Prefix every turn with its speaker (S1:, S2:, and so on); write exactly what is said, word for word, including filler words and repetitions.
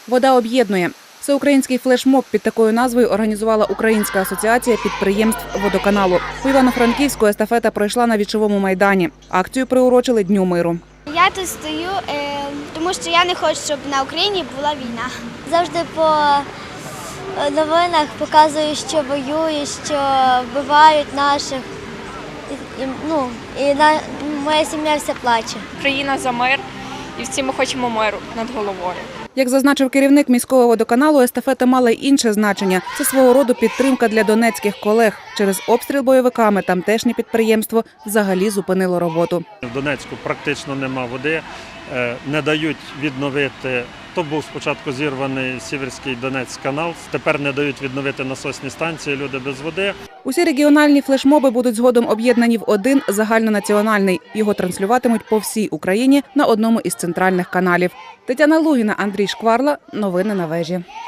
S1: Вода об'єднує. Всеукраїнський флешмоб під такою назвою організувала Українська асоціація підприємств водоканалу. У Івано-Франківську естафета пройшла на Вічовому майдані. Акцію приурочили Дню миру.
S2: Я тут стою, тому що я не хочу, щоб на Україні була війна.
S3: Завжди по новинах показують, що воюють, що вбивають наших. І, ну, і на, моя сім'я вся плаче.
S4: Країна за мир, і всі ми хочемо миру над головою.
S1: Як зазначив керівник міського водоканалу, естафета мала й інше значення. Це свого роду підтримка для донецьких колег. Через обстріл бойовиками тамтешнє підприємство взагалі зупинило роботу.
S5: В Донецьку практично нема води, не дають відновити. То був спочатку зірваний Сіверський Донець-канал, тепер не дають відновити насосні станції, люди без води.
S1: Усі регіональні флешмоби будуть згодом об'єднані в один загальнонаціональний. Його транслюватимуть по всій Україні на одному із центральних каналів. Тетяна Лугіна, Андрій Шкварла. Новини на вежі.